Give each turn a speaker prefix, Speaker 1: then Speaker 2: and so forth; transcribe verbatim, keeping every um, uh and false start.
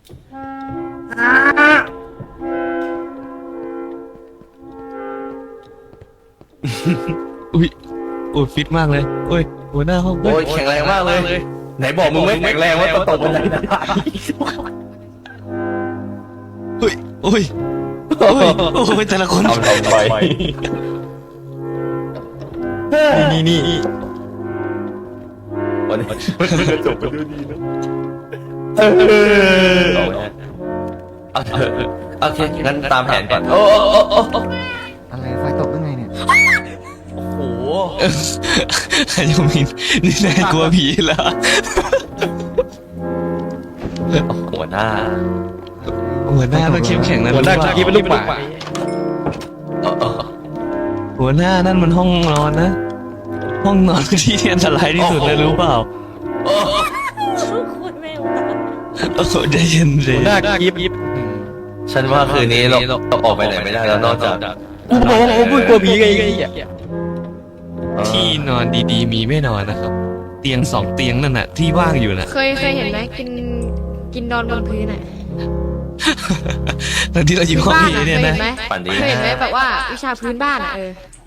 Speaker 1: อุ้ยโอ้ยฟิตมากเลยโอ้ยหัวหน้าห้อง
Speaker 2: โอ้ยแข็งแรงมากเลยไหนบอกมึงไม่แข็งแรงว่าตกบันไดได้
Speaker 1: เฮ้ยโอ้ยโอ้ยโอ้ยแต่ละคน
Speaker 2: ทำทำไป
Speaker 1: นี่นี่นี่
Speaker 2: วันนี้จะจบไปด้วยดีนะโอเคงั้นตามแผนก่อนโอ้โอ้โอ้
Speaker 3: อะไรไฟตกได้ไงเนี่ย
Speaker 2: โห
Speaker 1: ฮายมินนี่นายกลัวผีเหรอ
Speaker 2: หัวหน้า
Speaker 1: หัวหน้าต้องเข้มแข็งนะ
Speaker 4: หัวหน้ากี้เป็นลูกหมา
Speaker 1: หัวหน้านั่นมันห้องนอนนะห้องนอนที่อันตรายที่สุดเลยรู้เปล่า
Speaker 5: คุณแม่
Speaker 1: โอ้โหใจเย็นเลย
Speaker 4: หัวหน้ากี้
Speaker 2: ฉันว่าคืนนี้เราเราออกไปไหนไม่ได้แล้วนอกจาก
Speaker 4: กูบอกว่าผมกลัวผีไง
Speaker 1: ที่นอนดีๆมีไม่นอนนะครับเตียงสองเตียงนั่นน่ะที่ว่างอยู่น่ะ
Speaker 5: เคยเคยเห็นไหมกินกินนอนบนพื้นอ่ะ
Speaker 1: ตอนที่เราอยู่ห้อง
Speaker 5: บ้าน
Speaker 1: ผี
Speaker 5: อ่ะเค
Speaker 1: เนี่ย
Speaker 5: ยเห็
Speaker 1: นะ
Speaker 5: นไหม
Speaker 2: ฝันดี
Speaker 5: เคยเห็นไหมแบบว่าวิชาพื้นบ้านอ่ะเออ